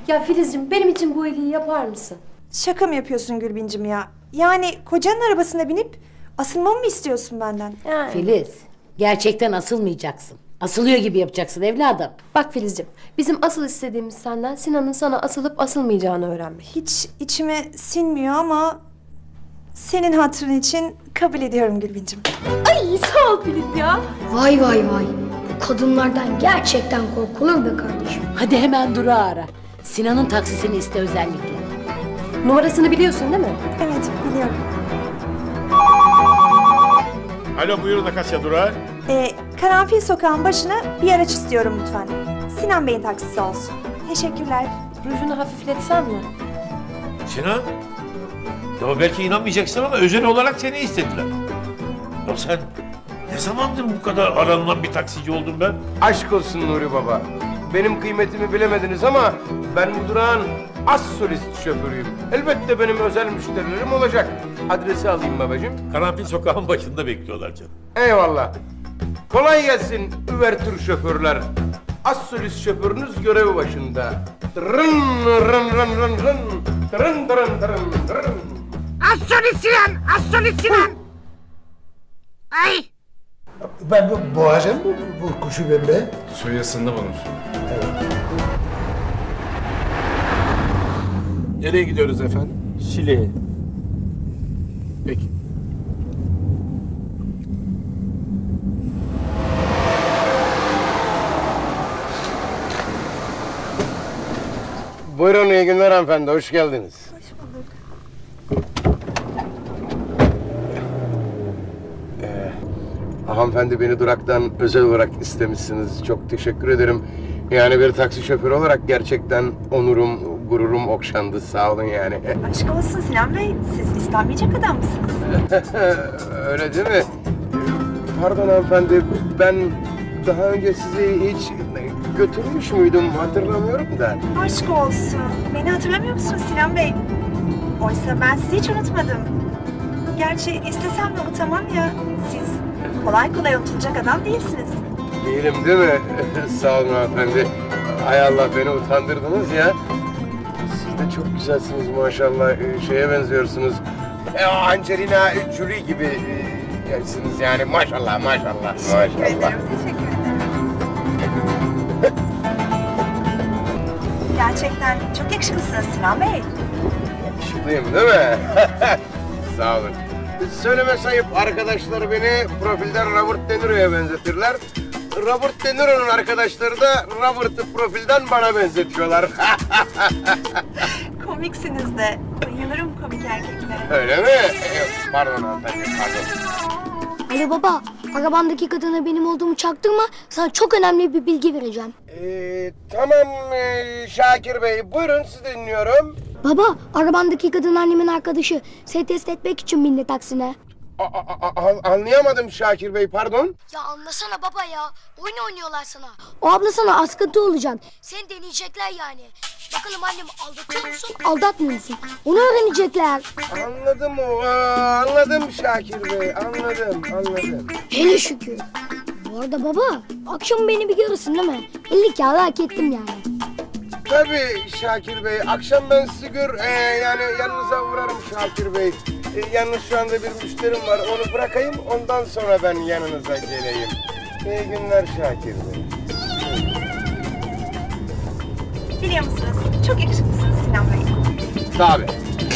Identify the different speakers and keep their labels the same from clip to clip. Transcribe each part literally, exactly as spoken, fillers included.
Speaker 1: Ya Filizciğim benim için bu iyiliği yapar mısın?
Speaker 2: Şaka mı yapıyorsun Gülbincim ya? Yani kocanın arabasına binip asılmamı mı istiyorsun benden?
Speaker 1: Yani.
Speaker 3: Filiz, gerçekten asılmayacaksın. Asılıyor gibi yapacaksın evladım.
Speaker 1: Bak Filizciğim, bizim asıl istediğimiz senden Sinan'ın sana asılıp asılmayacağını öğrenmek.
Speaker 2: Hiç içime sinmiyor ama senin hatırın için kabul ediyorum Gülbincim.
Speaker 1: Ay sağ ol Filiz ya.
Speaker 4: Vay vay vay. Bu kadınlardan gerçekten korkulur be kardeşim.
Speaker 3: Hadi hemen Duru ara. Sinan'ın taksisini iste özellikle.
Speaker 1: Numarasını biliyorsun değil mi?
Speaker 2: Evet biliyorum.
Speaker 5: Alo buyurun Akasya Durağı.
Speaker 2: Ee, Karanfil Sokağı'nın başına bir araç istiyorum lütfen. Sinan Bey'in taksisi olsun. Teşekkürler.
Speaker 1: Rujunu hafifletsen mi?
Speaker 5: Sinan? Ya belki inanmayacaksın ama özel olarak seni istediler. Ya sen ne zamandır bu kadar aranılan bir taksici oldun ben?
Speaker 6: Aşk olsun Nuri Baba. Benim kıymetimi bilemediniz ama ben bu durağın as solist şoförüyüm. Elbette benim özel müşterilerim olacak. Adresi alayım babacığım.
Speaker 5: Karanfil sokağın başında bekliyorlar canım.
Speaker 6: Eyvallah. Kolay gelsin üvertür şoförler. As solist şoförünüz görev başında. Rın rın rın rın rın. Tırın tırın tırın tırın.
Speaker 7: Az solist Sinan! Az solist Sinan! Ay!
Speaker 8: Ben bu boğacağım bu, bu kuşu ben be.
Speaker 9: Suyu ısındı bunun.
Speaker 8: Nereye gidiyoruz efendim?
Speaker 9: Şile'ye.
Speaker 8: Peki.
Speaker 6: Buyurun iyi günler hanımefendi. Hoş geldiniz.
Speaker 2: Hoş bulduk.
Speaker 6: Hanımefendi beni duraktan özel olarak istemişsiniz. Çok teşekkür ederim. Yani bir taksi şoförü olarak gerçekten onurum, gururum okşandı. Sağ olun yani.
Speaker 2: Aşk olsun Sinan Bey. Siz istenmeyecek adam mısınız?
Speaker 6: Öyle değil mi? Pardon hanımefendi, ben daha önce sizi hiç götürmüş müydüm hatırlamıyorum da.
Speaker 2: Aşk olsun. Beni hatırlamıyor musunuz Sinan Bey? Oysa ben sizi hiç unutmadım. Gerçi istesem de unutamam ya. Siz kolay kolay unutulacak adam değilsiniz.
Speaker 6: Değilim değil mi? Sağ olun hanımefendi. Hay Allah beni utandırdınız ya. Siz de çok güzelsiniz maşallah. Ee, Şeye benziyorsunuz. Ee, Angelina Jolie gibi e, yersiniz yani maşallah maşallah. Maşallah.
Speaker 2: Teşekkür ederim. Gerçekten çok yakışıklısınız Sinan Bey.
Speaker 6: Yakışıklıyım değil mi? Sağ olun. Söyleme sayıp arkadaşlar beni profilden Robert De Niro'ya benzetirler. Robert De Niro'nun arkadaşları da Robert'ı profilden bana benzetiyorlar.
Speaker 2: Komiksiniz de. Bayılırım komik erkeklere.
Speaker 6: Öyle mi? Ee, Pardon hanımefendi, pardon.
Speaker 4: Ali baba, arabandaki kadına benim olduğumu çaktırma. Sana çok önemli bir bilgi vereceğim.
Speaker 6: Ee, tamam ee, Şakir Bey, buyurun sizi dinliyorum.
Speaker 4: Baba, arabandaki kadın annemin arkadaşı. Seni test etmek için bindi taksine.
Speaker 6: A- a- a- anlayamadım Şakir Bey, pardon.
Speaker 4: Ya anlasana baba ya. Oyun oynuyorlar sana. O abla sana askıntı olacak. Seni deneyecekler yani. Bakalım annem aldatıyor musun, aldatmıyor musun? Onu öğrenecekler.
Speaker 6: Anladım o, aa, anladım Şakir Bey, anladım, anladım.
Speaker 4: Hele şükür. Bu arada baba, akşam beni bir görürsün değil mi? elli kağıdı hak ettim yani.
Speaker 6: Tabii Şakir Bey, akşam ben sizi gör, ee, yani yanınıza uğrarım Şakir Bey. Ee, yalnız şu anda bir müşterim var, onu bırakayım, ondan sonra ben yanınıza geleyim. İyi günler Şakir Bey.
Speaker 2: Biliyor musunuz? Çok yakışıklısınız Sinan Bey.
Speaker 6: Tabii.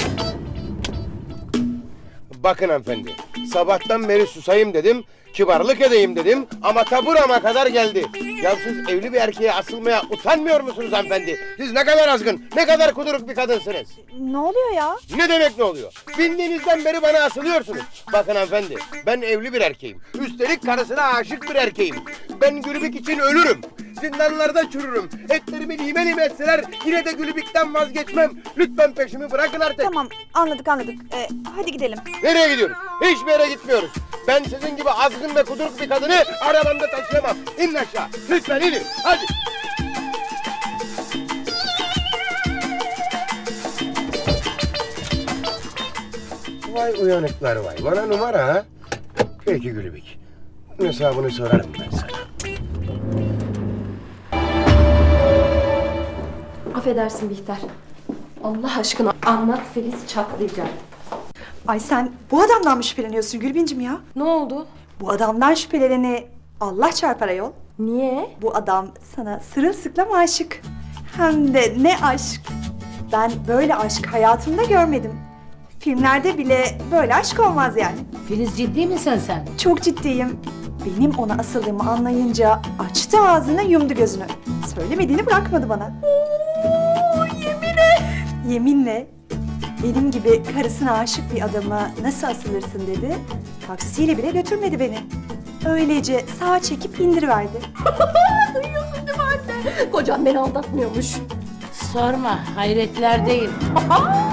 Speaker 6: Bakın hanımefendi, sabahtan beri susayım dedim, kibarlık edeyim dedim ama ta burama kadar geldi. Ya siz evli bir erkeğe asılmaya utanmıyor musunuz hanımefendi? Siz ne kadar azgın, ne kadar kuduruk bir kadınsınız.
Speaker 2: Ne oluyor ya?
Speaker 6: Ne demek ne oluyor? Bindiğinizden beri bana asılıyorsunuz. Bakın hanımefendi, ben evli bir erkeğim. Üstelik karısına aşık bir erkeğim. Ben Gülübük için ölürüm. Zindanlarda çürürüm. Etlerimi lime lime etseler yine de Gülübük'ten vazgeçmem. Lütfen peşimi bırakın artık.
Speaker 2: Tamam anladık anladık. Ee, hadi gidelim.
Speaker 6: Nereye gidiyoruz? Hiçbir yere gitmiyoruz. Ben sizin gibi azgın ve kuduruk bir kadını arabamda taşıyamam. İnin aşağı. Lütfen inin. Hadi. Vay uyanıklar vay. Bana numara ha. Peki Gülübük. Bunun hesabını sorarım ben sana.
Speaker 1: Affedersin Bihter. Allah aşkına anlat, Filiz çatlayacak.
Speaker 2: Ay sen bu adamdan mı şüpheleniyorsun Gülbincim ya?
Speaker 1: Ne oldu?
Speaker 2: Bu adamdan şüpheleneni Allah çarpar ayol.
Speaker 1: Niye?
Speaker 2: Bu adam sana sırılsıklam aşık. Hem de ne aşk. Ben böyle aşk hayatımda görmedim. Filmlerde bile böyle aşk olmaz yani.
Speaker 3: Filiz ciddi misin sen?
Speaker 2: Çok ciddiyim. Benim ona asıldığımı anlayınca açtı ağzını yumdu gözünü. Söylemediğini bırakmadı bana. Oo, yeminle. Yeminle. Benim gibi karısına aşık bir adama nasıl asılırsın dedi. Taksiyle bile götürmedi beni. Öylece sağa çekip indiriverdi.
Speaker 1: Duyuyorsun değil mi anne? Kocam beni aldatmıyormuş.
Speaker 3: Sorma hayretlerdeyim.